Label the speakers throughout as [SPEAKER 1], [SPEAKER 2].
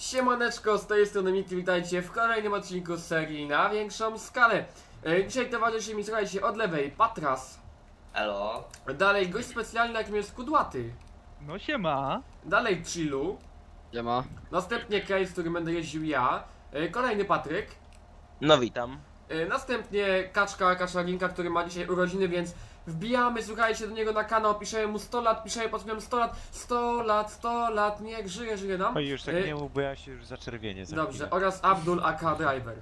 [SPEAKER 1] Siemaneczko, z tej strony Miki, witajcie w kolejnym odcinku z serii na większą skalę. Dzisiaj towarzyszy mi, słuchajcie, od lewej Patras.
[SPEAKER 2] Elo.
[SPEAKER 1] Dalej gość specjalny, jakim jest Kudłaty.
[SPEAKER 3] No siema.
[SPEAKER 1] Dalej Chillu.
[SPEAKER 4] Siema.
[SPEAKER 1] Następnie Case, którym będę jeździł ja. Kolejny Patryk.
[SPEAKER 4] No witam.
[SPEAKER 1] Następnie Kaczarinka, który ma dzisiaj urodziny, więc wbijamy, słuchajcie, do niego na kanał, piszemy mu 100 lat, piszemy pod spodem 100 lat, 100 lat, 100 lat, niech żyje nam.
[SPEAKER 5] Oj, już tak nie mów, bo ja się już zaczerwienię za
[SPEAKER 1] Dobrze,
[SPEAKER 5] chwilę.
[SPEAKER 1] oraz Abdul aka Driver.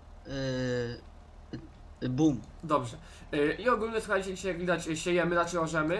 [SPEAKER 4] Boom.
[SPEAKER 1] Dobrze. I ogólnie, słuchajcie, dzisiaj jak widać siejemy, znaczy orzemy.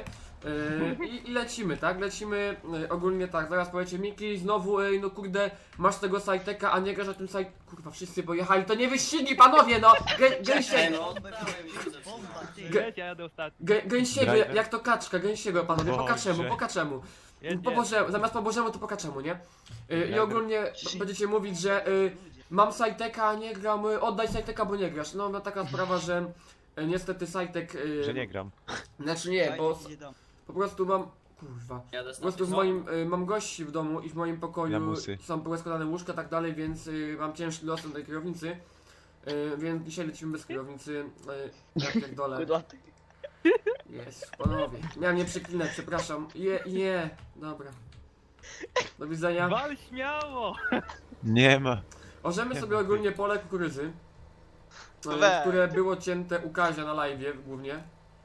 [SPEAKER 1] I lecimy, tak? Lecimy ogólnie tak, zaraz powiecie Miki, znowu, no kurde, masz tego sajteka, a nie grasz na tym sajt... Kurwa, wszyscy pojechali, to nie wyścigi, panowie, no! Gęsiego,
[SPEAKER 2] No odbrałem już.
[SPEAKER 3] Leć, ja jadę ostatni.
[SPEAKER 1] gęsiego,
[SPEAKER 5] Driver.
[SPEAKER 1] jak to kaczka, gęsiego, panowie, po kaczemu,
[SPEAKER 5] Boże.
[SPEAKER 1] po kaczemu.
[SPEAKER 3] Jedź,
[SPEAKER 1] Po Bożemu, zamiast po Bożemu, to po kaczemu, nie? I ogólnie będziecie mówić, że mam sajteka, a nie gram, oddaj sajteka, bo nie grasz. No taka sprawa, że niestety sajtek...
[SPEAKER 5] Że nie gram.
[SPEAKER 1] Znaczy nie, bo po prostu mam... Kurwa.
[SPEAKER 2] Jadę
[SPEAKER 1] Po prostu w
[SPEAKER 2] no.
[SPEAKER 1] moim, mam gości w domu i w moim pokoju
[SPEAKER 5] Lamusy.
[SPEAKER 1] są poskładane łóżka i tak dalej, więc mam ciężki los na tej kierownicy. Więc dzisiaj lecimy bez kierownicy. Jak dole.
[SPEAKER 4] Kudłaty.
[SPEAKER 1] Jest, panowie. Miałem nie przeklinać, przepraszam. Dobra. Do widzenia.
[SPEAKER 3] Wal śmiało.
[SPEAKER 5] Nie ma.
[SPEAKER 1] Orzemy sobie ogólnie pole kukurydzy,
[SPEAKER 4] Weź.
[SPEAKER 1] które było cięte u Kazia na live'ie głównie.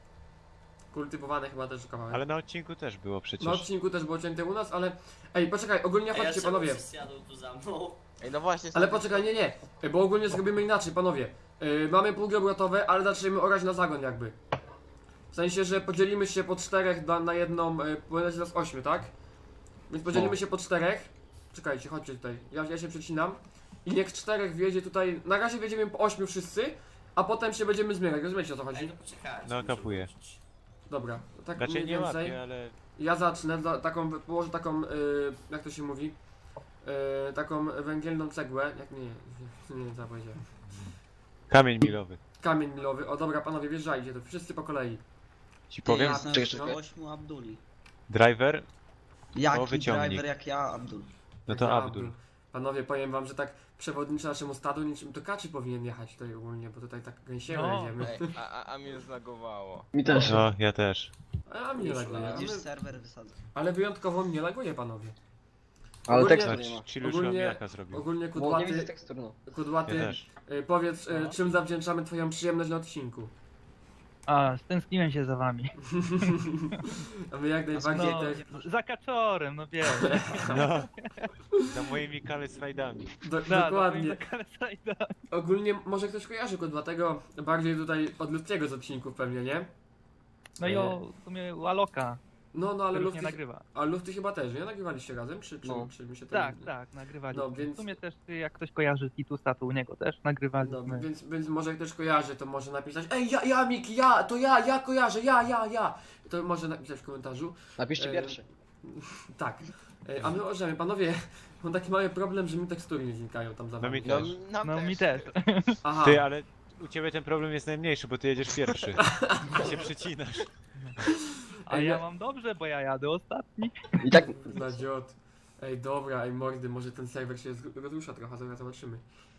[SPEAKER 1] Kultywowane chyba też kawałek.
[SPEAKER 5] Ale na odcinku też było przecież.
[SPEAKER 1] Na odcinku też było cięte u nas, ale... Ej, poczekaj, ogólnie chodźcie panowie.
[SPEAKER 2] Jadą tu za mną.
[SPEAKER 4] Ej, no właśnie.
[SPEAKER 1] Ale poczekaj, nie, bo ogólnie zrobimy inaczej, panowie. Mamy pługi obrotowe, ale zaczniemy orać na zagon jakby. W sensie, że podzielimy się po 4 na jedną, powinno się nas 8, tak? Więc podzielimy się po 4. Czekajcie, chodźcie tutaj, ja się przecinam. I niech 4 wjedzie tutaj, na razie wjedziemy po 8 wszyscy, a potem się będziemy zmieniać, rozumiecie o co
[SPEAKER 2] Ej,
[SPEAKER 1] chodzi?
[SPEAKER 2] to poczekajcie.
[SPEAKER 5] No,
[SPEAKER 2] muszę
[SPEAKER 5] kapuję.
[SPEAKER 2] wrócić.
[SPEAKER 1] Dobra, to tak
[SPEAKER 5] Znaczy
[SPEAKER 1] mniej
[SPEAKER 5] nie
[SPEAKER 1] więcej.
[SPEAKER 5] łapię, ale...
[SPEAKER 1] Ja zacznę, położę taką, jak to się mówi, taką węgielną cegłę, jak nie wiem co ja powiedziałem.
[SPEAKER 5] Kamień milowy.
[SPEAKER 1] Kamień milowy, o dobra panowie, wjeżdżajcie, to wszyscy po kolei.
[SPEAKER 5] Ci powiem,
[SPEAKER 1] No.
[SPEAKER 4] 8 Abduli.
[SPEAKER 5] driver,
[SPEAKER 4] Jaki
[SPEAKER 5] wyciągnij.
[SPEAKER 4] driver jak ja, Abdul?
[SPEAKER 5] no to
[SPEAKER 1] Ja,
[SPEAKER 5] Abdul.
[SPEAKER 1] Panowie, powiem wam, że tak przewodniczy naszemu stadu, niczym to Kaczy powinien jechać tutaj ogólnie, bo tutaj tak gęsiego
[SPEAKER 3] No.
[SPEAKER 1] jedziemy.
[SPEAKER 6] A mnie zlagowało.
[SPEAKER 4] Mi też.
[SPEAKER 5] No, ja też.
[SPEAKER 1] A mnie laguje,
[SPEAKER 4] Widzisz, serwer wysadzę.
[SPEAKER 1] ale wyjątkowo mnie laguje, panowie.
[SPEAKER 4] Ale
[SPEAKER 1] Ogólnie-
[SPEAKER 4] tekstu
[SPEAKER 5] No,
[SPEAKER 4] nie ma.
[SPEAKER 5] ci już
[SPEAKER 1] Ogólnie-
[SPEAKER 5] jaka zrobił.
[SPEAKER 1] Ogólnie
[SPEAKER 4] Bo nie widzę
[SPEAKER 1] kudłaty,
[SPEAKER 4] tekstur, no.
[SPEAKER 5] Ja
[SPEAKER 1] kudłaty
[SPEAKER 5] też.
[SPEAKER 1] powiedz, czym zawdzięczamy twoją przyjemność na odcinku.
[SPEAKER 3] A, stęskniłem się za wami.
[SPEAKER 1] A my jak najbardziej
[SPEAKER 3] No,
[SPEAKER 1] też...
[SPEAKER 3] za kaczorem, no wiesz.
[SPEAKER 5] No. Za moimi slajdami.
[SPEAKER 1] Dokładnie. Ogólnie może ktoś kojarzy kudłatego bardziej tutaj od ludzkiego z odcinków pewnie, nie?
[SPEAKER 3] No i o w sumie u Aloka,
[SPEAKER 1] No, ale
[SPEAKER 3] który już
[SPEAKER 1] Lufty,
[SPEAKER 3] nie nagrywa.
[SPEAKER 1] a Lufty chyba też, nie? Nagrywaliście razem? Czy
[SPEAKER 4] No.
[SPEAKER 1] mi się to...
[SPEAKER 3] Tak, nagrywali.
[SPEAKER 1] No, więc-
[SPEAKER 3] W sumie też jak ktoś kojarzy Titusa, to u niego też nagrywaliśmy.
[SPEAKER 1] No, więc może ktoś kojarzy, to może napisać: ej, ja, Miki, ja kojarzę, ja. To może napisać w komentarzu.
[SPEAKER 4] Napiszcie pierwszy.
[SPEAKER 1] Tak. A my możemy, panowie, mam taki mały problem, że mi tekstury nie znikają tam za
[SPEAKER 5] No
[SPEAKER 1] wami.
[SPEAKER 5] mi też.
[SPEAKER 3] No mi też.
[SPEAKER 1] Aha,
[SPEAKER 5] Ty, ale u ciebie ten problem jest najmniejszy, bo ty jedziesz pierwszy. Się przecinasz.
[SPEAKER 3] A
[SPEAKER 1] Ej,
[SPEAKER 3] ja
[SPEAKER 1] no-
[SPEAKER 3] mam dobrze, bo ja jadę ostatni.
[SPEAKER 4] I tak.
[SPEAKER 1] za dziot. Ej, dobra, mordy, może ten serwer się rozrusza trochę, zaraz zobaczymy.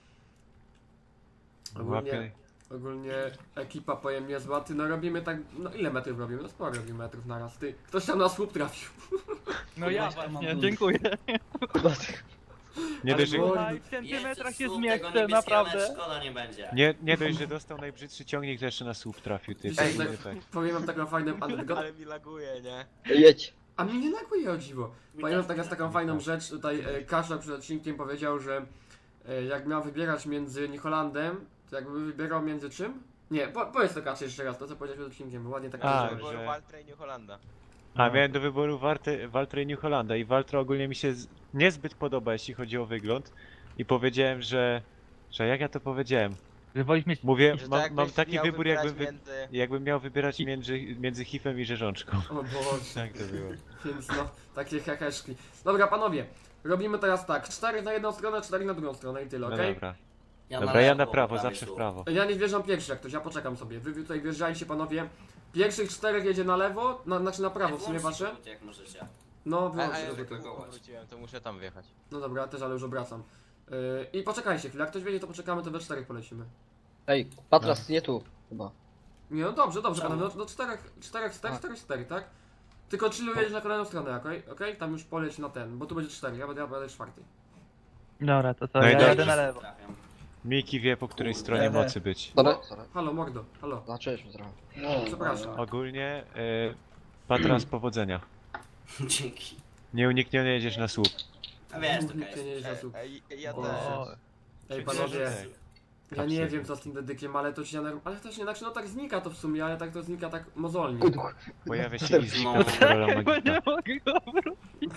[SPEAKER 5] Łapie.
[SPEAKER 1] Ogólnie ekipa powiem niezła, ty no robimy tak, no ile metrów robimy? No sporo robimy metrów naraz, ty. Ktoś tam na słup trafił.
[SPEAKER 3] No ja
[SPEAKER 4] Właśnie mam
[SPEAKER 3] właśnie,
[SPEAKER 4] dużo.
[SPEAKER 3] dziękuję.
[SPEAKER 4] Kudłaty.
[SPEAKER 5] Nie dość, że,
[SPEAKER 3] Słuchaj, w
[SPEAKER 2] Jezus,
[SPEAKER 3] centymetrach się
[SPEAKER 2] słup, tego
[SPEAKER 3] zmieszczę,
[SPEAKER 2] niebieskiego
[SPEAKER 3] naprawdę.
[SPEAKER 2] nawet szkoda nie będzie.
[SPEAKER 5] nie dość, że dostał najbrzydszy ciągnik, to jeszcze na słup trafił. Ty,
[SPEAKER 1] Dzisiaj
[SPEAKER 5] tak,
[SPEAKER 1] tak,
[SPEAKER 5] tak.
[SPEAKER 1] powiem wam taką fajną anegdotę.
[SPEAKER 6] Ale mi laguje, nie?
[SPEAKER 4] Jedź.
[SPEAKER 1] A mnie nie laguje o dziwo.
[SPEAKER 2] Mi
[SPEAKER 1] Pamiętam
[SPEAKER 2] też
[SPEAKER 1] taka
[SPEAKER 2] nie
[SPEAKER 1] taką
[SPEAKER 2] laguje.
[SPEAKER 1] fajną rzecz, tutaj Kaszor przed odcinkiem powiedział, że jak miał wybierać między New Hollandem, to jakby wybierał między czym? Nie, powiedz to Kaczy jeszcze raz, to co powiedziałeś przed odcinkiem, bo ładnie tak
[SPEAKER 5] A,
[SPEAKER 1] powiedziałeś.
[SPEAKER 5] że-
[SPEAKER 6] Waltra i New Hollanda.
[SPEAKER 5] A miałem do wyboru Valtra i New Hollanda i Valtra ogólnie mi się niezbyt podoba, jeśli chodzi o wygląd. I powiedziałem, że jak ja to powiedziałem?
[SPEAKER 3] Że wolisz mieć...
[SPEAKER 5] Mówię,
[SPEAKER 6] Że to
[SPEAKER 5] mam
[SPEAKER 6] jakbyś
[SPEAKER 5] taki
[SPEAKER 6] miał
[SPEAKER 5] wybór,
[SPEAKER 6] wybierać
[SPEAKER 5] jakbym, jakbym miał wybierać między hifem i rzeżączką.
[SPEAKER 1] O Boże,
[SPEAKER 5] Tak to było.
[SPEAKER 1] więc no, takie heheszki. Dobra panowie, robimy teraz tak, 4 na jedną stronę, 4 na drugą stronę i tyle,
[SPEAKER 5] No
[SPEAKER 1] okej?
[SPEAKER 5] dobra.
[SPEAKER 2] Ja
[SPEAKER 5] Dobra, ja na
[SPEAKER 2] lewo,
[SPEAKER 5] prawo,
[SPEAKER 2] prawy
[SPEAKER 5] zawsze w
[SPEAKER 2] słup.
[SPEAKER 5] prawo.
[SPEAKER 1] Ja nie wjeżdżam pierwszy jak ktoś, ja poczekam sobie. Wy tutaj wjeżdżajcie panowie. Pierwszych 4 jedzie na lewo, znaczy na prawo w sumie
[SPEAKER 2] Włączcie
[SPEAKER 1] wasze.
[SPEAKER 2] skrót, jak możecie.
[SPEAKER 1] No,
[SPEAKER 6] A
[SPEAKER 1] wyłączę
[SPEAKER 6] ja
[SPEAKER 1] go
[SPEAKER 6] że
[SPEAKER 1] tylko.
[SPEAKER 6] kogo wróciłem, to muszę tam wjechać.
[SPEAKER 1] No dobra, też, ale już obracam. I poczekajcie chwilę, jak ktoś wiedzie, to poczekamy, to we 4 polecimy.
[SPEAKER 4] Ej, Patras, nie tu, chyba.
[SPEAKER 1] Nie, no dobrze,
[SPEAKER 2] Czemu?
[SPEAKER 1] panowie, do 4, tak? Tylko chillu jedziesz na kolejną stronę, okej? Tam już poleć na ten, bo tu będzie 4, ja będę 4.
[SPEAKER 3] Dobra, to
[SPEAKER 5] No i
[SPEAKER 3] ja
[SPEAKER 5] dobrze.
[SPEAKER 3] jadę na lewo.
[SPEAKER 2] Trafiam.
[SPEAKER 5] Miki wie, po której stronie
[SPEAKER 4] Dobra.
[SPEAKER 5] mocy być.
[SPEAKER 4] Sorry.
[SPEAKER 1] Halo, mordo, halo.
[SPEAKER 4] Zacząłeś trochę.
[SPEAKER 1] Przepraszam.
[SPEAKER 5] Ogólnie, Patras, powodzenia.
[SPEAKER 2] Dzięki.
[SPEAKER 5] Nieuniknione jedziesz na słup.
[SPEAKER 2] A wiesz, to
[SPEAKER 1] Nikt się nie jeździ na słup.
[SPEAKER 6] Ja
[SPEAKER 1] O.
[SPEAKER 6] też.
[SPEAKER 1] Ej,
[SPEAKER 5] Czy
[SPEAKER 1] panowie,
[SPEAKER 5] wierzysz?
[SPEAKER 1] ja nie wiem co z tym dedykiem, ale to się ale też nie, znaczy no tak znika to w sumie, ale tak to znika tak mozolnie.
[SPEAKER 4] Kuduch.
[SPEAKER 5] Pojawia się i znika
[SPEAKER 2] No.
[SPEAKER 5] kontrola
[SPEAKER 3] Bo
[SPEAKER 5] magika.
[SPEAKER 3] nie mogę go wrócić.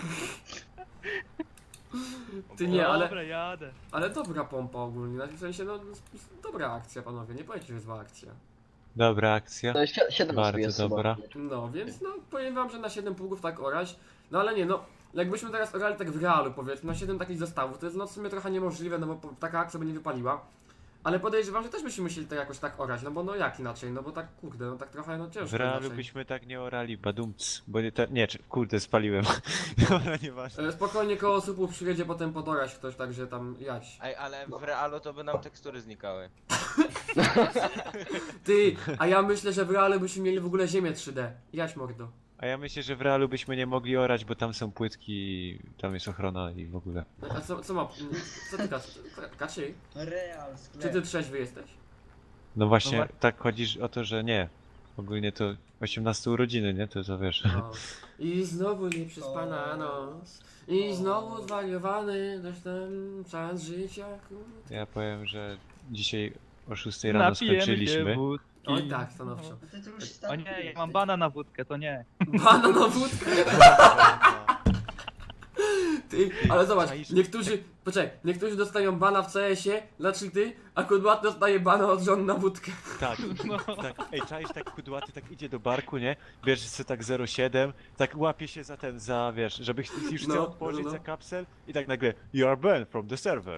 [SPEAKER 1] Ty nie,
[SPEAKER 3] Dobra, jadę.
[SPEAKER 1] ale dobra pompa ogólnie, znaczy w sensie no dobra akcja panowie, nie powiecie, że jest zła akcja.
[SPEAKER 5] Dobra akcja.
[SPEAKER 4] To jest 7
[SPEAKER 5] Bardzo
[SPEAKER 4] osób jest
[SPEAKER 5] dobra.
[SPEAKER 4] chyba.
[SPEAKER 1] No, więc no powiem wam, że na 7 pługów tak orać, no ale nie no, jakbyśmy teraz orali tak w realu powiedzmy, na 7 takich zestawów, to jest no w sumie trochę niemożliwe, no bo taka akcja by nie wypaliła. Ale podejrzewam, że też byśmy musieli to jakoś tak orać, no bo no jak inaczej, no bo tak kurde, no tak trochę no
[SPEAKER 5] W
[SPEAKER 1] ciężko
[SPEAKER 5] realu
[SPEAKER 1] inaczej.
[SPEAKER 5] byśmy tak nie orali, badumc. Bo nie, nie, kurde, spaliłem. Dobra, nieważne.
[SPEAKER 1] Spokojnie koło słupów przyjedzie potem podorać ktoś, także tam jać.
[SPEAKER 6] Ej, ale w realu to by nam tekstury znikały.
[SPEAKER 1] Ty, a ja myślę, że w realu byśmy mieli w ogóle ziemię 3D. Jać mordo.
[SPEAKER 5] A ja myślę, że w realu byśmy nie mogli orać, bo tam są płytki, tam jest ochrona i w ogóle.
[SPEAKER 1] A co ma, co ty Kaczy?
[SPEAKER 4] Real,
[SPEAKER 1] Czy ty trzeźwy jesteś?
[SPEAKER 5] No właśnie,
[SPEAKER 3] No
[SPEAKER 5] tak chodzi o to, że nie. Ogólnie to 18 urodziny, nie? To wiesz.
[SPEAKER 1] No. I znowu nieprzespana noc. I znowu zwariowany coś tam czas życia. kurde.
[SPEAKER 5] Ja powiem, że dzisiaj o 6 rano
[SPEAKER 3] Napijemy się
[SPEAKER 5] skończyliśmy.
[SPEAKER 3] wódki.
[SPEAKER 1] Oj tak, stanowczo.
[SPEAKER 3] O nie, ja mam bana na wódkę, to nie.
[SPEAKER 1] Bana na wódkę. Ty, ale zobacz,
[SPEAKER 5] Czaisz?
[SPEAKER 1] niektórzy dostają bana w CS-ie dla cheaty, a Kudłat dostaje bana od żon na wódkę.
[SPEAKER 5] Tak, tak. Ej, czaisz tak kudłaty, tak idzie do barku, nie? Bierze sobie tak 0,7, tak łapie się za ten, za wiesz, żeby już chce
[SPEAKER 1] No,
[SPEAKER 5] otworzyć
[SPEAKER 1] no.
[SPEAKER 5] za kapsel i tak nagle You are banned from the server.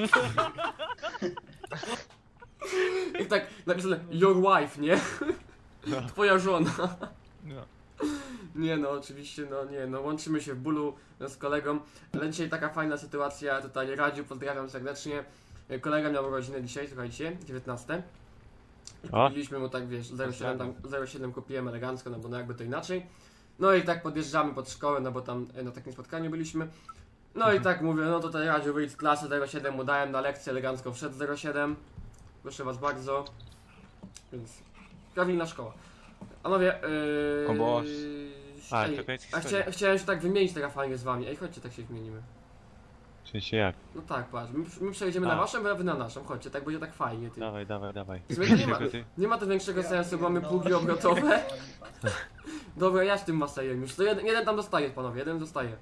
[SPEAKER 1] I tak napisane your wife, nie?
[SPEAKER 5] No.
[SPEAKER 1] Twoja żona.
[SPEAKER 3] No.
[SPEAKER 1] Nie no, oczywiście, no nie, no łączymy się w bólu z kolegą, ale dzisiaj taka fajna sytuacja, tutaj Radziu, pozdrawiam serdecznie. Kolega miał urodziny dzisiaj, słuchajcie, 19.
[SPEAKER 5] O.
[SPEAKER 1] Kupiliśmy mu tak, wiesz, 0,7 tam, 0,7 kupiłem elegancko, no bo no jakby to inaczej. No i tak podjeżdżamy pod szkołę, no bo tam na takim spotkaniu byliśmy. No i tak mówię, no tutaj Radziu wyjdź z klasy, 0,7 mu dałem na lekcję, elegancko wszedł 0,7. Proszę was bardzo. Więc prawilna szkoła. Panowie,
[SPEAKER 6] O Boże.
[SPEAKER 5] A,
[SPEAKER 1] ej,
[SPEAKER 5] to koniec
[SPEAKER 1] a
[SPEAKER 5] historii.
[SPEAKER 1] chciałem się tak wymienić teraz fajnie z wami. Ej, chodźcie, tak się wymienimy.
[SPEAKER 5] W sensie jak?
[SPEAKER 1] No tak, patrz, my przejdziemy na
[SPEAKER 5] A.
[SPEAKER 1] waszą, a wy na naszą. Chodźcie, tak będzie tak fajnie, ty.
[SPEAKER 5] Dawaj, dawaj, dawaj.
[SPEAKER 1] W sumie to nie ma,
[SPEAKER 5] Tylko ty?
[SPEAKER 1] nie ma to większego sensu, bo mamy pługi obrotowe. Dobra, ja z tym Masejem już. To jeden tam dostaje, panowie, jeden zostaje.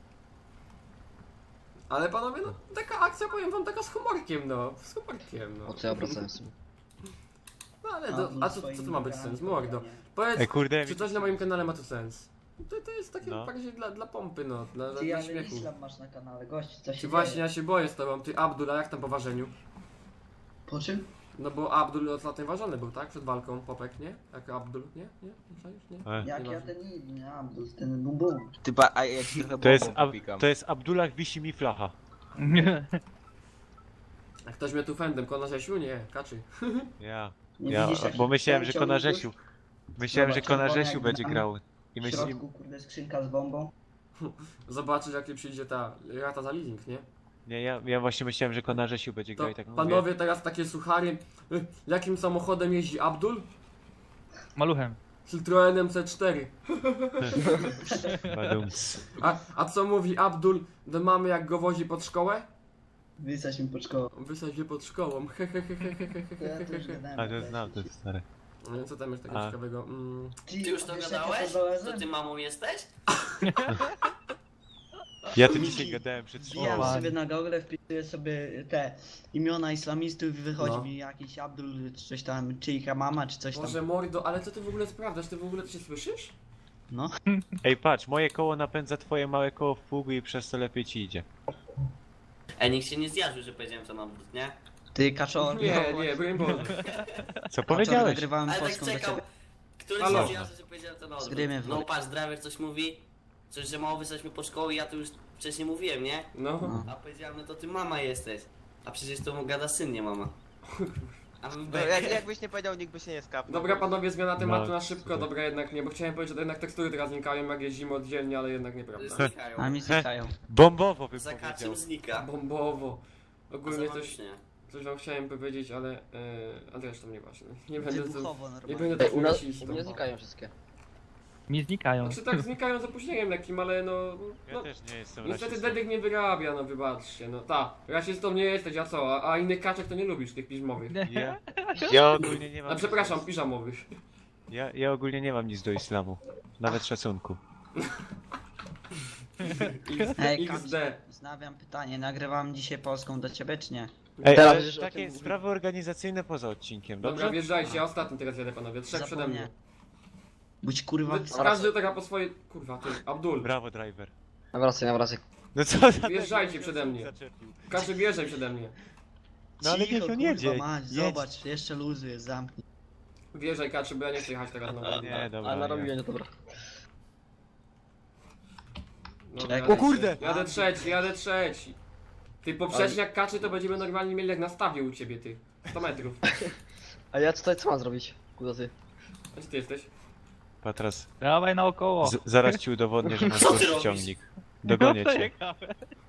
[SPEAKER 1] Ale panowie, no taka akcja, powiem wam, taka z humorkiem, no. Z humorkiem, no.
[SPEAKER 4] O co ja obracałem sobie?
[SPEAKER 1] No ale, a co to ma być sens? Mordo. Powiedz,
[SPEAKER 5] Ej, kurde,
[SPEAKER 1] czy coś na moim kanale ma tu sens? To jest takie
[SPEAKER 5] No.
[SPEAKER 1] bardziej dla pompy, no. Dla
[SPEAKER 4] Ty, ale
[SPEAKER 1] śmiechu.
[SPEAKER 4] Islam masz na kanale, gość, co się
[SPEAKER 1] Czy właśnie
[SPEAKER 4] dzieje?
[SPEAKER 1] ja się boję z tobą, ty Abdul, a jak tam po ważeniu?
[SPEAKER 4] Po czym?
[SPEAKER 1] No bo Abdul ostatnio ważony był, tak? Przed walką, Popek, nie? Jak Abdul, nie? Nie? Nie czaisz? Nie?
[SPEAKER 5] E,
[SPEAKER 4] Jak ja
[SPEAKER 1] Nieważne.
[SPEAKER 4] ten inny, Abdul, ten bum bum.
[SPEAKER 6] Ty a ja ci trochę
[SPEAKER 5] To jest,
[SPEAKER 6] bombą popikam.
[SPEAKER 5] to jest Abdullah wisi mi flacha.
[SPEAKER 1] A ktoś mnie tu fendem, Kona Rzesiu? Nie, Kaczy.
[SPEAKER 5] Ja,
[SPEAKER 4] Nie
[SPEAKER 5] ja,
[SPEAKER 4] widzisz, jak
[SPEAKER 5] bo myślałem, że
[SPEAKER 4] ciągnik
[SPEAKER 5] Kona
[SPEAKER 4] już?
[SPEAKER 5] Rzesiu. Myślałem, że
[SPEAKER 4] Zobacz,
[SPEAKER 5] Kona
[SPEAKER 4] czerwony
[SPEAKER 5] Rzesiu
[SPEAKER 4] jak
[SPEAKER 5] będzie
[SPEAKER 4] tam.
[SPEAKER 5] grał. I
[SPEAKER 4] W
[SPEAKER 5] myślałem,
[SPEAKER 4] środku, kurde, skrzynka z bombą.
[SPEAKER 1] Zobaczysz jakie przyjdzie ta rata za leasing, nie?
[SPEAKER 5] nie, ja właśnie myślałem, że Kona Rzesiu będzie grał
[SPEAKER 1] To
[SPEAKER 5] i tak mówię.
[SPEAKER 1] panowie teraz takie suchary. Jakim samochodem jeździ Abdul?
[SPEAKER 3] Maluchem.
[SPEAKER 1] Citroenem C4.
[SPEAKER 5] Badumc.
[SPEAKER 1] A co mówi Abdul do mamy jak go wozi pod szkołę?
[SPEAKER 4] Wysać mi pod szkołą.
[SPEAKER 1] Wysadź mnie pod szkołą.
[SPEAKER 4] To ja to już gadałem.
[SPEAKER 5] A to znam, to jest stare.
[SPEAKER 1] No i co tam jest takiego
[SPEAKER 5] A.
[SPEAKER 1] ciekawego?
[SPEAKER 2] Ty już to
[SPEAKER 4] wiesz, jak
[SPEAKER 2] gadałeś?
[SPEAKER 4] ja to
[SPEAKER 2] To ty mamą jesteś?
[SPEAKER 5] Ja to dzisiaj gadałem przed
[SPEAKER 4] Wbijam
[SPEAKER 5] szkołą.
[SPEAKER 3] O,
[SPEAKER 4] sobie na Google, wpisuję sobie te imiona islamistów i wychodzi
[SPEAKER 1] No.
[SPEAKER 4] mi jakiś Abdul, czy coś tam, czy ich mama, czy coś tam.
[SPEAKER 1] Boże mordo, ale co ty w ogóle sprawdzasz? Ty w ogóle to się słyszysz?
[SPEAKER 4] No.
[SPEAKER 5] Ej, patrz, moje koło napędza twoje małe koło w pługu i przez to lepiej ci idzie.
[SPEAKER 2] Ej, nikt się nie zjarzył, że powiedziałem to na wód, nie?
[SPEAKER 4] Ty, kaczor.
[SPEAKER 1] Nie, broń Boże.
[SPEAKER 5] Co
[SPEAKER 4] Kaczor,
[SPEAKER 5] powiedziałeś?
[SPEAKER 4] nagrywałem
[SPEAKER 2] Ale tak
[SPEAKER 4] polską do
[SPEAKER 2] czekał.
[SPEAKER 4] ciebie.
[SPEAKER 2] Któryś
[SPEAKER 1] Halo.
[SPEAKER 2] się zjarzy, że powiedziałem to na odwrót.
[SPEAKER 4] Zgrymy w
[SPEAKER 2] No
[SPEAKER 4] wód.
[SPEAKER 2] patrz, driver coś mówi. Coś, że mało wysłaliśmy po szkoły, ja to już wcześniej mówiłem, nie?
[SPEAKER 1] No.
[SPEAKER 2] A powiedziałem, no to ty mama jesteś. A przecież to mu gada syn, nie mama. A my
[SPEAKER 6] No, jakbyś nie powiedział, nikt by się nie skapnął.
[SPEAKER 1] Dobra panowie, zmiana tematu
[SPEAKER 5] No,
[SPEAKER 1] na szybko,
[SPEAKER 5] super.
[SPEAKER 1] dobra jednak nie, bo chciałem powiedzieć, że to jednak tekstury teraz znikają jak jeździmy oddzielnie, ale jednak nieprawda.
[SPEAKER 2] znikają.
[SPEAKER 4] A mi znikają.
[SPEAKER 5] Bombowo bym
[SPEAKER 2] Za
[SPEAKER 5] powiedział.
[SPEAKER 2] kaczym znika.
[SPEAKER 1] Bombowo.
[SPEAKER 2] A
[SPEAKER 1] Ogólnie
[SPEAKER 2] za
[SPEAKER 1] coś,
[SPEAKER 2] magicznie.
[SPEAKER 1] coś wam chciałem powiedzieć, ale zresztą nieważne. Nie będę tu,
[SPEAKER 4] Wybuchowo
[SPEAKER 1] nie
[SPEAKER 4] normalnie.
[SPEAKER 1] będę
[SPEAKER 7] Ej,
[SPEAKER 1] tu
[SPEAKER 7] u nas
[SPEAKER 1] rasistą.
[SPEAKER 7] u mnie znikają wszystkie.
[SPEAKER 3] Mi znikają.
[SPEAKER 1] Znaczy tak znikają z opóźnieniem lekkim, ale no...
[SPEAKER 5] Ja
[SPEAKER 1] no
[SPEAKER 5] też nie jestem
[SPEAKER 1] niestety
[SPEAKER 5] rasistą.
[SPEAKER 1] Dedek nie wyrabia, no wybaczcie, no ta. Rasistą nie jesteś, a co? A innych kaczek to nie lubisz, tych piżmowych.
[SPEAKER 5] Ja ogólnie nie mam...
[SPEAKER 1] A przepraszam, piżamowych.
[SPEAKER 5] Ja ogólnie nie mam nic do islamu. Nawet szacunku.
[SPEAKER 4] Ej,
[SPEAKER 1] XD.
[SPEAKER 4] Znawiam pytanie, nagrywam dzisiaj Polską do ciebie czy nie?
[SPEAKER 5] Ej,
[SPEAKER 7] Teraz
[SPEAKER 5] ale
[SPEAKER 7] już o
[SPEAKER 5] takie
[SPEAKER 7] tym mówię.
[SPEAKER 5] sprawy organizacyjne poza odcinkiem,
[SPEAKER 1] Dobra,
[SPEAKER 5] dobrze?
[SPEAKER 1] wjeżdżajcie, ja ostatni teraz jadę panowie, trzech przede mną.
[SPEAKER 4] Budź kurwa...
[SPEAKER 1] Każdy taka po swojej... Kurwa, ty, Abdul.
[SPEAKER 5] Brawo, driver.
[SPEAKER 7] Nawracaj.
[SPEAKER 5] No co za...
[SPEAKER 1] Wjeżdżajcie przede mnie.
[SPEAKER 5] Zaczepił.
[SPEAKER 1] Każdy wjeżdżaj przede mnie.
[SPEAKER 5] No ale niech on jedzie.
[SPEAKER 4] Mać,
[SPEAKER 5] Jedź.
[SPEAKER 4] zobacz, jeszcze luzu jest, zamknij.
[SPEAKER 1] Wjeżdżaj kaczy, bo ja nie chcę jechać teraz na
[SPEAKER 5] Nie, dobra.
[SPEAKER 7] A
[SPEAKER 5] nie.
[SPEAKER 7] narobiłem, no dobra.
[SPEAKER 1] Dobra,
[SPEAKER 4] O
[SPEAKER 1] jadę
[SPEAKER 5] kurde!
[SPEAKER 1] trzeci. Jadę trzeci. Ty poprzedni jak kaczy to będziemy normalnie mieli jak na stawie u ciebie, ty. 100 metrów.
[SPEAKER 7] A ja tutaj co mam zrobić? Kuda ty.
[SPEAKER 1] A gdzie ty jesteś?
[SPEAKER 5] Patras,
[SPEAKER 3] Dawaj naokoło.
[SPEAKER 5] zaraz ci udowodnię, że masz
[SPEAKER 2] Co ty
[SPEAKER 5] gorszy
[SPEAKER 2] robisz?
[SPEAKER 5] ciągnik. Dogonię
[SPEAKER 3] No,
[SPEAKER 5] cię.
[SPEAKER 3] ciekawe.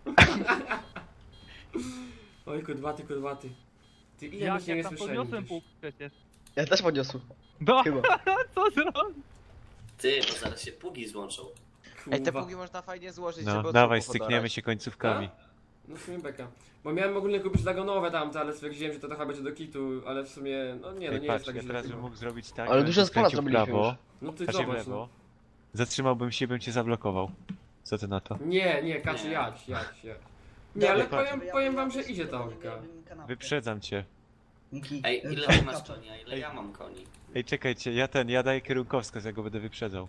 [SPEAKER 1] Oj, kudwaty. Ty ile
[SPEAKER 3] Jak
[SPEAKER 1] myśmy
[SPEAKER 3] ja
[SPEAKER 1] nie
[SPEAKER 3] tam
[SPEAKER 1] słyszeli?
[SPEAKER 3] podniosłem
[SPEAKER 1] gdzieś?
[SPEAKER 3] pół przecież.
[SPEAKER 7] Ja też podniosłem.
[SPEAKER 3] No,
[SPEAKER 7] Chyba.
[SPEAKER 3] co zrobić?
[SPEAKER 2] Ty, to zaraz się pugi złączą.
[SPEAKER 6] Ej, te
[SPEAKER 1] Kurwa.
[SPEAKER 6] pługi można fajnie złożyć,
[SPEAKER 5] No,
[SPEAKER 6] żeby od
[SPEAKER 5] dawaj,
[SPEAKER 6] łuku
[SPEAKER 5] stykniemy
[SPEAKER 6] podarać.
[SPEAKER 5] się końcówkami.
[SPEAKER 1] No w sumie beka. Bo miałem ogólnie kupić zagonowe tamte, ale stwierdziłem, że to trochę będzie do kitu, ale w sumie, no nie, no
[SPEAKER 5] Ej,
[SPEAKER 1] nie
[SPEAKER 5] patrz,
[SPEAKER 1] jest tak
[SPEAKER 5] ja
[SPEAKER 1] źle
[SPEAKER 5] teraz bym
[SPEAKER 1] chyba.
[SPEAKER 5] mógł zrobić tak,
[SPEAKER 7] Ale
[SPEAKER 5] bym
[SPEAKER 7] duże
[SPEAKER 5] się skręcił
[SPEAKER 7] spola
[SPEAKER 5] w
[SPEAKER 7] zrobiliśmy
[SPEAKER 5] prawo,
[SPEAKER 7] już.
[SPEAKER 1] No ty
[SPEAKER 5] znaczy w
[SPEAKER 1] zobacz,
[SPEAKER 5] lewo.
[SPEAKER 1] no.
[SPEAKER 5] Zatrzymałbym się, bym cię zablokował. Co ty na to?
[SPEAKER 1] Nie, kaczy,
[SPEAKER 2] Nie.
[SPEAKER 1] jadź. Nie,
[SPEAKER 4] Dobra,
[SPEAKER 1] ale
[SPEAKER 5] patrz.
[SPEAKER 1] powiem wam, że idzie ta orka.
[SPEAKER 5] Wyprzedzam cię.
[SPEAKER 2] Ej, ile ty masz koni, a ile ja mam koni?
[SPEAKER 5] Ej, czekajcie, ja daję kierunkowskaz, ja go będę wyprzedzał.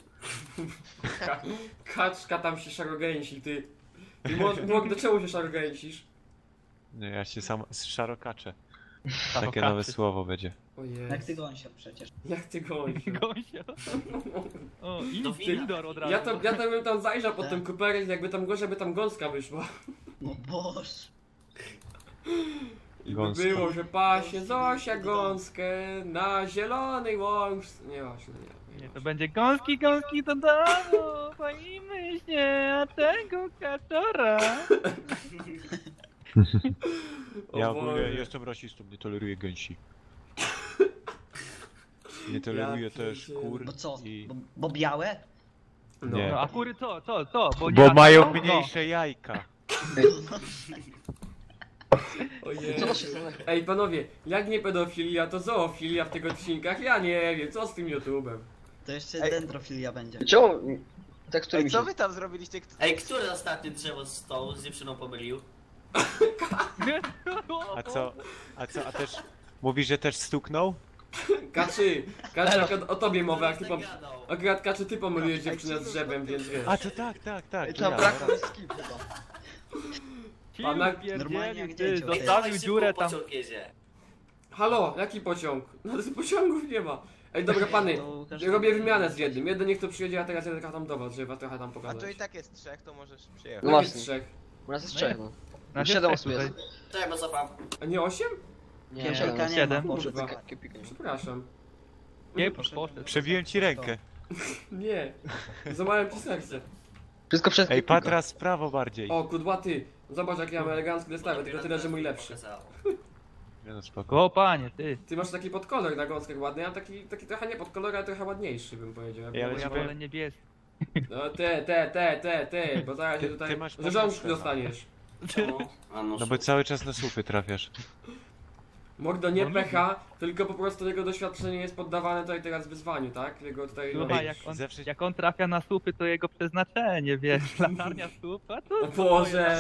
[SPEAKER 1] Kaczka tam się szarogęsi, ty. Do czemu się szarogęsisz?
[SPEAKER 5] Nie, ja się sam szarokaczę. Takie nowe słowo będzie.
[SPEAKER 1] Ojej.
[SPEAKER 4] Jak ty gąsia przecież.
[SPEAKER 1] Jak ty gonisz?
[SPEAKER 3] Gosia. O,
[SPEAKER 2] Do wina.
[SPEAKER 3] Indor od razu.
[SPEAKER 1] Ja tam bym tam zajrzał pod tym kuperek, jakby tam gorzej, by tam gąska wyszła.
[SPEAKER 4] No boż.
[SPEAKER 1] I by
[SPEAKER 5] Gąska.
[SPEAKER 1] było, że pasie Zosia gąskę na zielonej łącz... Nie, właśnie,
[SPEAKER 3] Nie, to będzie gąski do domu, boimy się, a tego kaczora.
[SPEAKER 5] Ja
[SPEAKER 1] O
[SPEAKER 5] ogólnie
[SPEAKER 1] Boże.
[SPEAKER 5] jestem rasistą, nie toleruję gęsi. Nie toleruję
[SPEAKER 1] Ja
[SPEAKER 5] też
[SPEAKER 1] pierdzielę.
[SPEAKER 5] kur
[SPEAKER 4] Bo co?
[SPEAKER 5] i...
[SPEAKER 4] Bo białe?
[SPEAKER 5] Nie.
[SPEAKER 3] No a kury co?
[SPEAKER 5] Bo
[SPEAKER 3] nie
[SPEAKER 5] mają
[SPEAKER 3] latają?
[SPEAKER 5] mniejsze jajka.
[SPEAKER 1] Ojej.
[SPEAKER 7] Co to się stało?
[SPEAKER 1] Ej panowie, jak nie pedofilia, to zoofilia w tych odcinkach? Ja nie wiem, co z tym YouTube'em?
[SPEAKER 4] To jeszcze
[SPEAKER 6] Ej.
[SPEAKER 4] dendrofilia będzie.
[SPEAKER 7] Czemu? Tekstury
[SPEAKER 6] Ej,
[SPEAKER 7] mi się...
[SPEAKER 6] co wy tam zrobiliście?
[SPEAKER 2] Ej, który ostatnie drzewo z stołu z dziewczyną pomylił?
[SPEAKER 5] A co? A też... Mówisz, że też stuknął?
[SPEAKER 1] Kaczy, jak o tobie mowa, jak ty pom...
[SPEAKER 2] Zagadał.
[SPEAKER 1] Akurat Kaczy, ty pomyliłeś dziewczynę z drzewem, więc wiesz.
[SPEAKER 5] A to tak, to
[SPEAKER 7] Tam
[SPEAKER 5] ja.
[SPEAKER 7] brakło mi skip chyba.
[SPEAKER 1] Pana-
[SPEAKER 4] Normalnie jak
[SPEAKER 3] Ty,
[SPEAKER 4] dziecię.
[SPEAKER 2] Ej,
[SPEAKER 3] zostawił
[SPEAKER 2] dawaj szybko,
[SPEAKER 3] dziurę tam.
[SPEAKER 2] pociąg jedzie.
[SPEAKER 1] Halo, jaki pociąg? No pociągów nie ma. Ej, dobra pany,
[SPEAKER 4] To Łukasz-
[SPEAKER 1] robię wymianę z jednym. Jeden niech to przyjedzie, a teraz jeden tam do was, żeby was trochę tam
[SPEAKER 6] A
[SPEAKER 1] pokazać.
[SPEAKER 6] tu i tak jest trzech, to możesz przyjechać.
[SPEAKER 7] No
[SPEAKER 1] No jest
[SPEAKER 7] właśnie.
[SPEAKER 1] trzech.
[SPEAKER 7] U nas jest trzech, no.
[SPEAKER 3] Na
[SPEAKER 7] 7 osób jest.
[SPEAKER 2] Czekaj, bo cofam.
[SPEAKER 1] A nie 8?
[SPEAKER 7] Nie,
[SPEAKER 4] Kiepika
[SPEAKER 7] 7.
[SPEAKER 4] nie ma,
[SPEAKER 3] Siedem.
[SPEAKER 4] poszedł.
[SPEAKER 1] Kurwa.
[SPEAKER 7] Kiełpika nie ma.
[SPEAKER 1] Przepraszam.
[SPEAKER 3] Nie, poszedł.
[SPEAKER 5] Przebiłem ci rękę.
[SPEAKER 1] Nie. Złamałem ci serce.
[SPEAKER 7] Wszystko przez
[SPEAKER 5] Ej,
[SPEAKER 7] kiełpika.
[SPEAKER 5] Patras, w prawo bardziej.
[SPEAKER 1] O, kudłaty. Zobacz jak ja mam elegancki zestawę, tylko tyle, że mój lepszy.
[SPEAKER 5] Nie no, spoko.
[SPEAKER 3] O panie, ty.
[SPEAKER 1] Ty masz taki podkolor na gąskach ładny, ja mam taki trochę nie podkolor, ale trochę ładniejszy bym powiedział.
[SPEAKER 5] Ej, ale
[SPEAKER 3] Bo
[SPEAKER 5] ci
[SPEAKER 3] ja
[SPEAKER 5] powiem-
[SPEAKER 3] wolę niebieski.
[SPEAKER 1] No ty, bo zaraz się
[SPEAKER 5] Ty
[SPEAKER 1] tutaj
[SPEAKER 5] masz
[SPEAKER 1] rzeżączki
[SPEAKER 5] pewne
[SPEAKER 1] dostaniesz.
[SPEAKER 2] Czemu? A no,
[SPEAKER 5] No bo cały czas na słupy trafiasz.
[SPEAKER 1] Mordo nie
[SPEAKER 3] No,
[SPEAKER 1] pecha, tylko po prostu jego doświadczenie jest poddawane tutaj teraz wyzwaniu, tak? Jego tutaj...
[SPEAKER 3] Słuchaj,
[SPEAKER 5] Ej,
[SPEAKER 3] jak
[SPEAKER 5] zawsze-
[SPEAKER 3] on trafia na słupy, to jego przeznaczenie, wiesz, latarnia słupa, to...
[SPEAKER 1] O Boże!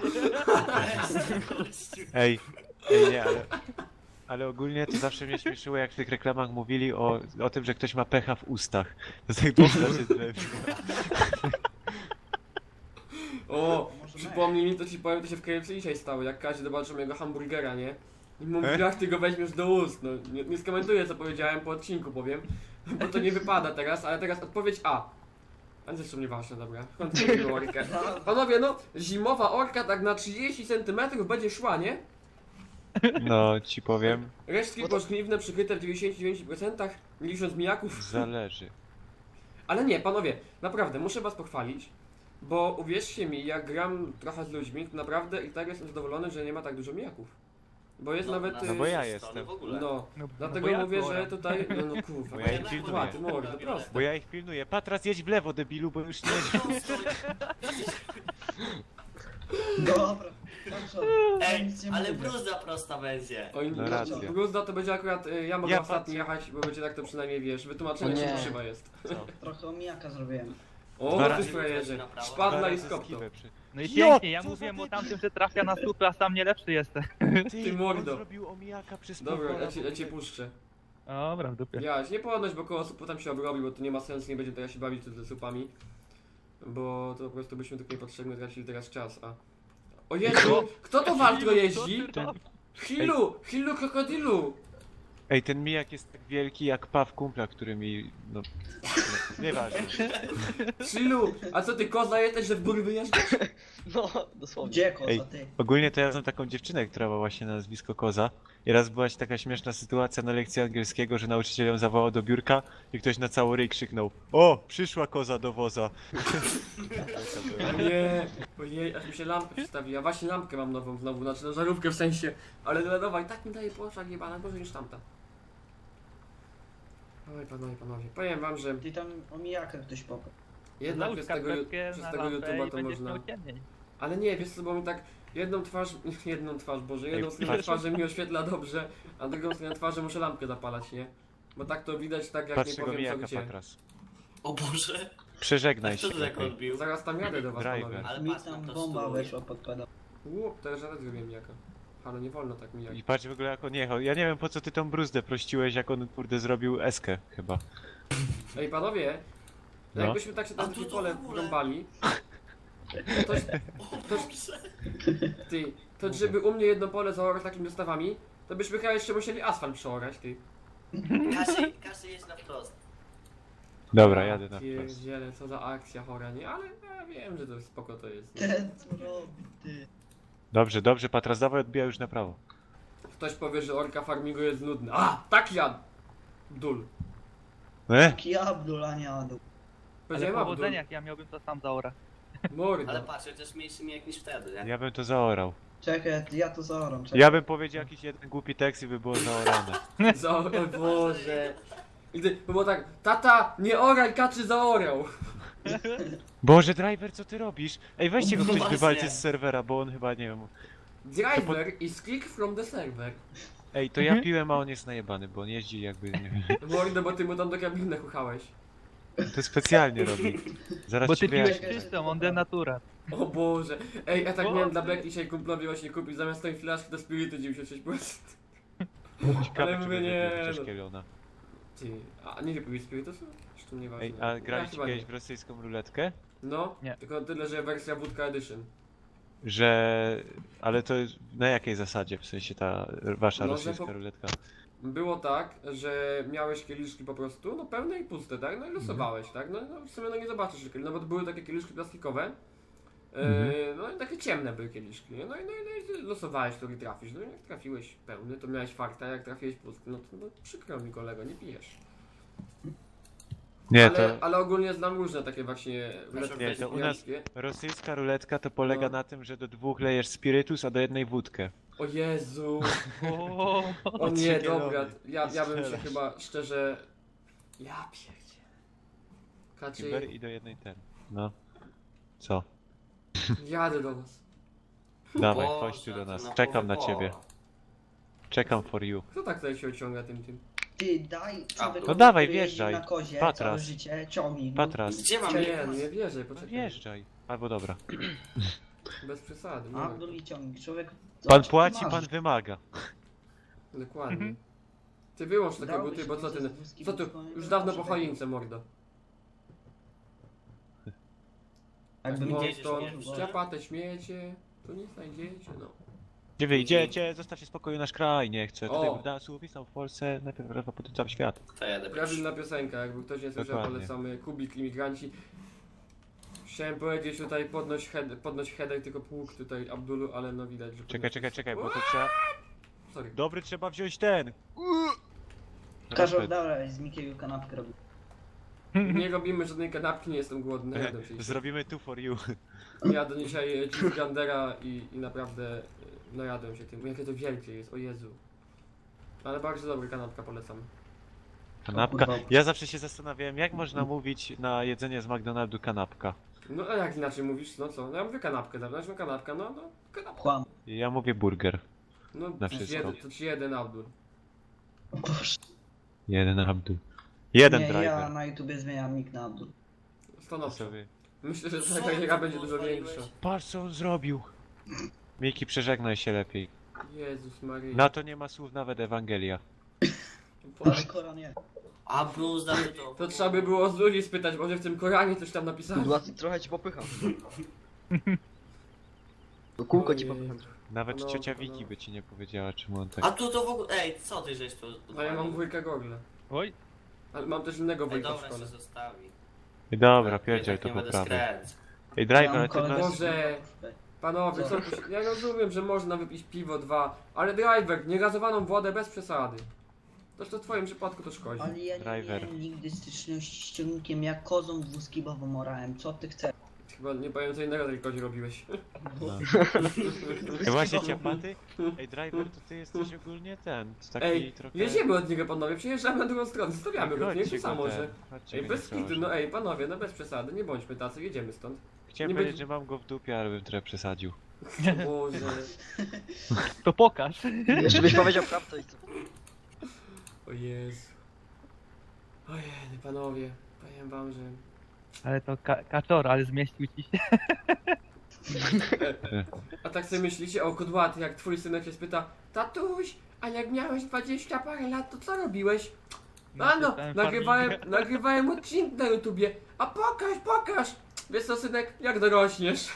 [SPEAKER 5] Ej, nie, ale ogólnie to zawsze mnie śmieszyło, jak w tych reklamach mówili o tym, że ktoś ma pecha w ustach. To tak bomba się zlepiła.
[SPEAKER 1] O, przypomnij mi, to ci powiem, to się w KFC dzisiaj stało, jak każdy zobaczył mojego hamburgera, nie? I mówi, jak ty go weźmiesz do ust, no nie skomentuję co powiedziałem, po odcinku powiem, bo to nie wypada teraz, ale teraz odpowiedź A. Ale zresztą nieważne, dobra. Kontynuujmy orkę. Panowie, no, zimowa orka tak na 30 cm będzie szła, nie?
[SPEAKER 5] No, ci powiem,
[SPEAKER 1] Resztki pożniwne przykryte w 99%, nie licząc mijaków.
[SPEAKER 5] zależy.
[SPEAKER 1] Ale nie, panowie, naprawdę, muszę was pochwalić, bo uwierzcie mi, jak gram trochę z ludźmi, to naprawdę i tak jestem zadowolony, że nie ma tak dużo mijaków. Bo jest nawet...
[SPEAKER 5] No bo ja
[SPEAKER 2] strony
[SPEAKER 5] jestem.
[SPEAKER 2] W ogóle.
[SPEAKER 1] No,
[SPEAKER 3] No,
[SPEAKER 1] dlatego
[SPEAKER 3] bo ja
[SPEAKER 1] mówię,
[SPEAKER 3] oram.
[SPEAKER 1] że tutaj... No kurwa,
[SPEAKER 5] Bo ja ich pilnuję.
[SPEAKER 1] ty mordo, proste.
[SPEAKER 5] Bo ja ich pilnuję. Patras, jedź w lewo, debilu, bo już nie...
[SPEAKER 4] Dobra. Dobrze.
[SPEAKER 2] Ej,
[SPEAKER 4] Nic nie
[SPEAKER 2] ale
[SPEAKER 4] mówię.
[SPEAKER 2] bruzda prosta będzie.
[SPEAKER 1] Oj,
[SPEAKER 5] No racja.
[SPEAKER 1] Gruzda to będzie akurat, ja mogę
[SPEAKER 5] Ja
[SPEAKER 1] ostatni jechać, bo będzie tak to przynajmniej wiesz, wytłumaczenie,
[SPEAKER 7] O
[SPEAKER 1] że
[SPEAKER 7] nie.
[SPEAKER 1] to szyba jest.
[SPEAKER 4] Trochę omijaka zrobiłem.
[SPEAKER 1] O,
[SPEAKER 5] Dwa
[SPEAKER 1] ty
[SPEAKER 5] razy
[SPEAKER 1] frajerze,
[SPEAKER 2] na prawo.
[SPEAKER 1] szpadla i
[SPEAKER 5] Dwa razy
[SPEAKER 1] skopto.
[SPEAKER 5] skiwę przy-
[SPEAKER 3] No i
[SPEAKER 5] Jo,
[SPEAKER 3] pięknie, ja
[SPEAKER 5] co za
[SPEAKER 3] mówiłem o
[SPEAKER 5] debil.
[SPEAKER 3] tamtym, że trafia na słupy, a sam nie lepszy jestem.
[SPEAKER 1] Ty mordo.
[SPEAKER 5] On zrobił omijaka przez
[SPEAKER 1] Dobra,
[SPEAKER 5] pół
[SPEAKER 1] ja cię
[SPEAKER 5] pola,
[SPEAKER 1] puszczę.
[SPEAKER 3] Dobra, w dupie.
[SPEAKER 1] Ja nie podnoś, bo koło supu tam się obrobi, bo to nie ma sensu, nie będziemy teraz się bawić tu ze supami. Bo to po prostu byśmy tylko niepotrzebnie tracili teraz czas, a... O Jezu, kto to Waltro jeździ? Hillu krokodilu!
[SPEAKER 5] Ej, ten mijak jest tak wielki jak paw kumpla, który mi... no... Nieważne.
[SPEAKER 1] Hillu, a co ty koza jesteś, że w góry wyjeżdżasz?
[SPEAKER 7] No, dosłownie.
[SPEAKER 4] Gdzie koza,
[SPEAKER 5] Ej.
[SPEAKER 4] ty?
[SPEAKER 5] Ogólnie to ja znam taką dziewczynę, która ma właśnie na nazwisko Koza. I raz była się taka śmieszna sytuacja na lekcji angielskiego, że nauczyciel ją zawołał do biurka i ktoś na cały ryj krzyknął: o, przyszła koza do woza.
[SPEAKER 1] Nie, ojej, aż mi się lampka przestawiła. Właśnie lampkę mam nową znowu, znaczy no żarówkę w sensie. Ale LEDowa i tak mi daje poszlak jebana, gorzej niż tamta. Oj panowie, powiem wam, że
[SPEAKER 4] Ty tam omijaka ktoś popadł.
[SPEAKER 1] jednak
[SPEAKER 3] Załóż
[SPEAKER 1] przez tego
[SPEAKER 3] skarpetkę
[SPEAKER 1] YouTube'a
[SPEAKER 3] na
[SPEAKER 1] to
[SPEAKER 3] lampę i
[SPEAKER 1] można...
[SPEAKER 3] będziesz miał ciemniej.
[SPEAKER 1] Ale nie, wiesz co, bo mi tak jedną twarz, Boże, jedną
[SPEAKER 5] Ej,
[SPEAKER 1] stronę
[SPEAKER 5] patrz.
[SPEAKER 1] twarzy mi oświetla dobrze, a drugą stronę twarzy muszę lampkę zapalać, nie? Bo tak to widać tak jak
[SPEAKER 5] Patrz
[SPEAKER 1] nie
[SPEAKER 5] tego
[SPEAKER 1] powiem co
[SPEAKER 5] mijaka,
[SPEAKER 1] gdzie.
[SPEAKER 5] Patras.
[SPEAKER 2] O Boże.
[SPEAKER 5] Przeżegnaj
[SPEAKER 2] Co
[SPEAKER 5] się
[SPEAKER 2] to tak
[SPEAKER 5] lepiej.
[SPEAKER 2] odbił?
[SPEAKER 1] Zaraz tam jadę do was,
[SPEAKER 5] Driver.
[SPEAKER 1] panowie.
[SPEAKER 2] Ale
[SPEAKER 4] Mi
[SPEAKER 2] patrz na
[SPEAKER 4] tam
[SPEAKER 2] to
[SPEAKER 4] bomba
[SPEAKER 2] stój.
[SPEAKER 4] weszła pod pedał.
[SPEAKER 1] Teraz ja też zrobiłem jaka. Ale nie wolno tak mijać.
[SPEAKER 5] I patrz w ogóle jak on jechał. Ja nie wiem po co ty tą bruzdę prościłeś, jak on kurde zrobił eskę chyba.
[SPEAKER 1] Ej panowie,
[SPEAKER 5] No.
[SPEAKER 1] jakbyśmy tak się
[SPEAKER 2] A
[SPEAKER 1] na
[SPEAKER 2] tu
[SPEAKER 1] takie
[SPEAKER 2] to
[SPEAKER 1] pole
[SPEAKER 2] w ogóle.
[SPEAKER 1] wrąbali, to,
[SPEAKER 2] O Boże.
[SPEAKER 1] ty, to żeby u mnie jedno pole zaorać takimi dostawami, to byśmy chyba jeszcze musieli asfalt przeorać, ty.
[SPEAKER 2] Kasy jest na wprost.
[SPEAKER 5] Dobra, jadę na wprost.
[SPEAKER 1] Pierdziele, co za akcja chora, nie? Ale ja wiem, że to spoko to jest. Nie?
[SPEAKER 4] Ten co robi, ty.
[SPEAKER 5] Dobrze, dobrze, Patras, dawaj odbija już na prawo.
[SPEAKER 1] Ktoś powie, że orka farmingu jest nudny. A, tak ja! Dul.
[SPEAKER 4] Taki Abdul, a nie Adul.
[SPEAKER 3] Ale
[SPEAKER 1] Powiedziałem Abdul.
[SPEAKER 3] powodzenia, jak ja miałbym to sam zaora.
[SPEAKER 1] Mordo.
[SPEAKER 2] Ale patrz, chociaż mniejszy mijak niż wtedy, nie?
[SPEAKER 5] Ja bym to zaorał.
[SPEAKER 4] Czekaj, ja to zaoram, czekaj.
[SPEAKER 5] Ja bym powiedział jakiś jeden głupi tekst i by było zaorane.
[SPEAKER 1] O Boże. I gdy było tak, tata, nie oraj, kaczy zaorał.
[SPEAKER 5] Boże, driver, co ty robisz? Ej, weźcie go
[SPEAKER 2] No
[SPEAKER 5] ktoś
[SPEAKER 2] właśnie.
[SPEAKER 5] wywalcie z serwera, bo on chyba, nie wiem...
[SPEAKER 1] Driver is kick from the server.
[SPEAKER 5] Ej, to ja piłem, a on jest najebany, bo on jeździ jakby, nie wiem...
[SPEAKER 1] Mordo, bo ty mu tam do kabiny chuchałeś.
[SPEAKER 5] To specjalnie robi. Zaraz
[SPEAKER 3] Bo
[SPEAKER 5] ci
[SPEAKER 3] ty piłeś
[SPEAKER 5] wyjaśnię.
[SPEAKER 3] czystą, on denatura.
[SPEAKER 1] O Boże. Ej, ja tak miałem dla
[SPEAKER 3] Boże.
[SPEAKER 1] Beck dzisiaj kumplowi właśnie kupić zamiast tej flaszki do spirity 96%.
[SPEAKER 5] Ciekawe,
[SPEAKER 1] Ale
[SPEAKER 5] czy
[SPEAKER 1] mówię,
[SPEAKER 5] będzie
[SPEAKER 1] nie,
[SPEAKER 5] pił chociaż
[SPEAKER 1] no.
[SPEAKER 5] kielona.
[SPEAKER 1] Ty, a nie wypiłeś spirytusu? Zresztą nieważne.
[SPEAKER 5] Ej, a graliście
[SPEAKER 1] chyba
[SPEAKER 5] kiedyś
[SPEAKER 1] nie.
[SPEAKER 5] w rosyjską ruletkę?
[SPEAKER 1] No,
[SPEAKER 3] Nie.
[SPEAKER 1] tylko tyle, że wersja Wódka Edition.
[SPEAKER 5] Że... Ale to na jakiej zasadzie? W sensie ta wasza
[SPEAKER 1] No, że
[SPEAKER 5] rosyjska
[SPEAKER 1] po-
[SPEAKER 5] ruletka?
[SPEAKER 1] Było tak, że miałeś kieliszki po prostu, no pełne i puste, tak? No i losowałeś, tak? No, no w sumie no nie zobaczysz, że no bo to były takie kieliszki plastikowe. No i takie ciemne były kieliszki, nie? No i losowałeś, który trafisz. No i jak trafiłeś pełny, to miałeś farta, jak trafiłeś pusty, no to no, przykro mi kolego, nie pijesz.
[SPEAKER 5] Nie,
[SPEAKER 1] Ale ogólnie znam różne takie właśnie ruletki
[SPEAKER 5] Nie, to u nas-
[SPEAKER 1] pijańskie.
[SPEAKER 5] Rosyjska ruletka to polega
[SPEAKER 1] No.
[SPEAKER 5] na tym, że do 2 lejesz spirytus, a do jednej wódkę.
[SPEAKER 1] O Jezu!
[SPEAKER 3] O,
[SPEAKER 1] O nie,
[SPEAKER 5] Kielony.
[SPEAKER 1] dobra, ja bym się
[SPEAKER 5] Strzelasz.
[SPEAKER 1] chyba szczerze... Ja pierdzie.
[SPEAKER 5] Kimber
[SPEAKER 1] Kaczy,
[SPEAKER 5] i do jednej ten. No. Co?
[SPEAKER 1] jadę do was.
[SPEAKER 5] Dawaj,
[SPEAKER 2] Boże,
[SPEAKER 5] chodź tu do
[SPEAKER 2] to
[SPEAKER 5] nas.
[SPEAKER 2] na
[SPEAKER 5] Czekam na
[SPEAKER 2] połowę
[SPEAKER 5] ciebie.
[SPEAKER 2] pola.
[SPEAKER 5] Czekam for you.
[SPEAKER 1] Kto tak tutaj się ociąga tym?
[SPEAKER 4] Ty daj człowiekowi,
[SPEAKER 5] No dawaj,
[SPEAKER 4] który jeździ
[SPEAKER 5] wjeżdżaj.
[SPEAKER 4] na kozie
[SPEAKER 5] Patras.
[SPEAKER 4] całe życie, ciągnij go.
[SPEAKER 5] Patras.
[SPEAKER 2] Gdzie mam
[SPEAKER 1] Nie,
[SPEAKER 2] jechać?
[SPEAKER 1] nie wierzę,
[SPEAKER 5] No
[SPEAKER 1] poczekaj.
[SPEAKER 5] wjeżdżaj. Albo dobra.
[SPEAKER 1] Bez przesady,
[SPEAKER 4] Abdul
[SPEAKER 1] no.
[SPEAKER 4] i ciągnij, człowiek...
[SPEAKER 5] Pan
[SPEAKER 4] zobacz,
[SPEAKER 5] płaci,
[SPEAKER 4] masz.
[SPEAKER 5] pan wymaga.
[SPEAKER 1] Dokładnie.
[SPEAKER 3] Mhm.
[SPEAKER 1] Ty wyłącz takie
[SPEAKER 4] Dałbyś
[SPEAKER 1] buty, bo co ty...
[SPEAKER 4] mi ze wózki
[SPEAKER 1] Co tu?
[SPEAKER 4] wózką,
[SPEAKER 1] Już
[SPEAKER 4] to
[SPEAKER 1] dawno po
[SPEAKER 4] człowiek-
[SPEAKER 1] choince, mordo.
[SPEAKER 4] Jakby
[SPEAKER 1] Bo
[SPEAKER 4] mi
[SPEAKER 2] jedziesz,
[SPEAKER 1] to
[SPEAKER 2] jedziesz.
[SPEAKER 1] ściapa te śmiecie, tu nie znajdziecie, no.
[SPEAKER 5] Gdzie wy idziecie? Zostawcie spokoju nasz kraj, nie chcę. Tutaj
[SPEAKER 1] O.
[SPEAKER 5] w Dasu wisnął w Polsce, najpierw potem cały świat.
[SPEAKER 2] To jadę
[SPEAKER 1] Prawilna piosenka, jakby ktoś nie słyszał,
[SPEAKER 5] Dokładnie.
[SPEAKER 1] polecamy Kubik, Imigranci. Chciałem powiedzieć tutaj podnoś header, tylko pług tutaj Abdulu, ale no widać, że...
[SPEAKER 5] Czekaj, bo to trzeba...
[SPEAKER 1] Sorry.
[SPEAKER 5] Dobry, trzeba wziąć ten!
[SPEAKER 4] Każą, dobra, z Mikiego kanapkę robię.
[SPEAKER 1] Nie robimy żadnej kanapki, nie jestem głodny, jadę się.
[SPEAKER 5] Zrobimy two for you.
[SPEAKER 1] Jadę dzisiaj cheeseburgera i naprawdę najadłem się tym. Jakie to wielkie jest, o Jezu. Ale bardzo dobry, kanapka polecam.
[SPEAKER 5] Kanapka.
[SPEAKER 4] kurwa.
[SPEAKER 5] Ja zawsze się zastanawiałem, jak można mówić na jedzenie z McDonaldu kanapka.
[SPEAKER 1] No a jak inaczej mówisz, no co? No ja mówię kanapkę, dawno, no kanapka, no kanapka.
[SPEAKER 4] Kłam.
[SPEAKER 5] Ja mówię burger.
[SPEAKER 1] No
[SPEAKER 5] Na wszystko.
[SPEAKER 1] to ci jeden Abdul.
[SPEAKER 4] Boże.
[SPEAKER 5] Jeden Abdul. Jeden
[SPEAKER 4] Nie,
[SPEAKER 5] driver.
[SPEAKER 4] ja na YouTubie zmieniam nick na Abdul.
[SPEAKER 1] Stanowczo.
[SPEAKER 5] Sobie.
[SPEAKER 1] Myślę, że
[SPEAKER 2] Co
[SPEAKER 1] ta kariera
[SPEAKER 2] ty
[SPEAKER 1] będzie dużo
[SPEAKER 2] odwaliłeś?
[SPEAKER 1] większa.
[SPEAKER 5] Patrz co on zrobił. Miki, przeżegnaj się lepiej.
[SPEAKER 1] Jezus Maria.
[SPEAKER 5] Na to nie ma słów nawet Ewangelia.
[SPEAKER 4] Ale Koran nie.
[SPEAKER 2] A Bruce, damy to.
[SPEAKER 1] To trzeba by było z ludzi spytać, może w tym Koranie coś tam napisali.
[SPEAKER 7] Kurwa, trochę ci popycham. Do kółko ci
[SPEAKER 1] Ojej.
[SPEAKER 7] popycham.
[SPEAKER 5] Nawet
[SPEAKER 1] No,
[SPEAKER 5] ciocia
[SPEAKER 1] no.
[SPEAKER 5] Wiki by ci nie powiedziała, czemu on tak...
[SPEAKER 2] A tu to w ogóle... Ej, co ty żeś tu...
[SPEAKER 1] A ja mam dwójkę gogle.
[SPEAKER 3] Oj,
[SPEAKER 1] Ale mam też innego
[SPEAKER 2] Ej,
[SPEAKER 1] wujka w
[SPEAKER 2] dobra, się
[SPEAKER 1] szkole.
[SPEAKER 2] zostawi.
[SPEAKER 5] Dobra, pierdziel
[SPEAKER 2] Jednak
[SPEAKER 5] to
[SPEAKER 2] nie będę
[SPEAKER 5] poprawę.
[SPEAKER 2] skręcać.
[SPEAKER 5] Ej, driver,
[SPEAKER 4] Ja mam
[SPEAKER 5] ale ty
[SPEAKER 4] kolegę
[SPEAKER 5] nas...
[SPEAKER 1] Boże. Panowie, co tu się... Ja rozumiem, że można wypić piwo 2, ale driver, niegazowaną wodę bez przesady. Toż to w twoim przypadku to szkodzi.
[SPEAKER 4] Ale ja nie
[SPEAKER 5] Driver.
[SPEAKER 4] miałem nigdy styczności z ciągnikiem, jak kozą dwuskibową orałem. Co ty chcesz?
[SPEAKER 1] Chyba nie powiem co innego tylko robiłeś.
[SPEAKER 5] No. Ej, właśnie ciapaty? Ej, driver, to ty jesteś ogólnie ten, taki
[SPEAKER 1] Ej,
[SPEAKER 5] trochę...
[SPEAKER 1] jedziemy od niego panowie, przyjeżdżamy na drugą stronę, zostawiamy go, nie
[SPEAKER 5] Chodźcie
[SPEAKER 1] to samo,
[SPEAKER 5] go
[SPEAKER 1] że...
[SPEAKER 5] chodźcie
[SPEAKER 1] Ej,
[SPEAKER 5] go
[SPEAKER 1] bez
[SPEAKER 5] nie
[SPEAKER 1] kitu,
[SPEAKER 5] proszę.
[SPEAKER 1] no ej, panowie, no bez przesady, nie bądźmy tacy, jedziemy stąd.
[SPEAKER 5] Chciałem
[SPEAKER 1] nie
[SPEAKER 5] powiedzieć,
[SPEAKER 1] będzie-
[SPEAKER 5] że mam go w dupie, ale bym trochę przesadził.
[SPEAKER 1] O Boże.
[SPEAKER 3] to pokaż.
[SPEAKER 7] Jeszcze byś powiedział prawdę i co?
[SPEAKER 1] O Jezu. Ojej, panowie, powiem wam, że...
[SPEAKER 3] Ale to kaczor, ale zmieścił ci się.
[SPEAKER 1] A tak sobie myślicie, o kudłaty, jak twój synek się spyta: tatuś, a jak miałeś 20 parę lat, to co robiłeś? A no,
[SPEAKER 3] czytałem
[SPEAKER 1] nagrywałem odcinek na YouTubie. A pokaż! Wiesz co, synek, jak dorośniesz?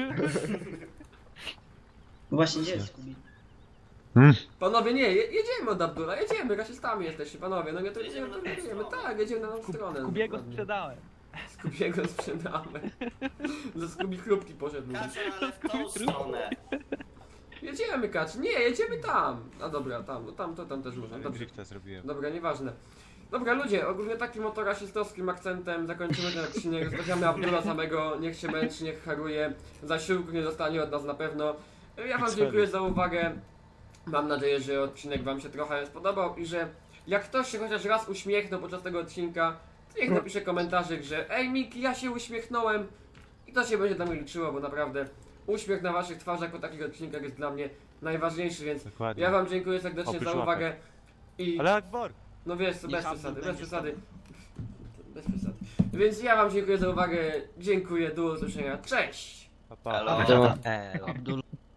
[SPEAKER 4] Właśnie, gdzie jest Kubi?
[SPEAKER 1] Panowie, nie, jedziemy od Abdula, jedziemy, rasistami jesteście, panowie, no nie to
[SPEAKER 2] Jedziemy na tą
[SPEAKER 1] jedziemy,
[SPEAKER 2] stronę.
[SPEAKER 1] tak, jedziemy na tą stronę.
[SPEAKER 3] Kubiego
[SPEAKER 1] dokładnie.
[SPEAKER 3] sprzedałem.
[SPEAKER 1] Skubiego sprzedamy. Ze Skubi chrupki poszedł.
[SPEAKER 2] Kaczor, ale w tą stronę.
[SPEAKER 1] Jedziemy, Kacz, nie, jedziemy tam. A dobra, tam, no tam też można,
[SPEAKER 5] Ale
[SPEAKER 1] dobrze.
[SPEAKER 5] drifta zrobiłem.
[SPEAKER 1] Dobra, nieważne. Dobra, ludzie, ogólnie takim oto rasistowskim akcentem zakończymy ten odcinek. Zostawiamy Abdula samego, niech się męczy, niech haruje. Zasiłku nie dostanie od nas na pewno. Ja wam dziękuję za uwagę. Mam nadzieję, że odcinek wam się trochę spodobał i że jak ktoś się chociaż raz uśmiechnął podczas tego odcinka, to niech napisze komentarzyk, że ej Miki, ja się uśmiechnąłem. I to się będzie dla mnie liczyło, bo naprawdę uśmiech na waszych twarzach po takich odcinkach jest dla mnie najważniejszy, więc
[SPEAKER 5] Dokładnie.
[SPEAKER 1] ja wam dziękuję serdecznie
[SPEAKER 5] Oprócz
[SPEAKER 1] za
[SPEAKER 5] łapek.
[SPEAKER 1] uwagę. I
[SPEAKER 5] Ale Akbar!
[SPEAKER 1] no wiesz, co,
[SPEAKER 4] Niech
[SPEAKER 1] bez
[SPEAKER 4] Abdul
[SPEAKER 1] przesady, bez
[SPEAKER 4] będzie
[SPEAKER 1] przesady. Bez przesady. Więc ja wam dziękuję za uwagę, dziękuję, do usłyszenia, cześć!
[SPEAKER 5] Pa, pa.
[SPEAKER 2] Halo.
[SPEAKER 7] Elo.
[SPEAKER 4] Abdul.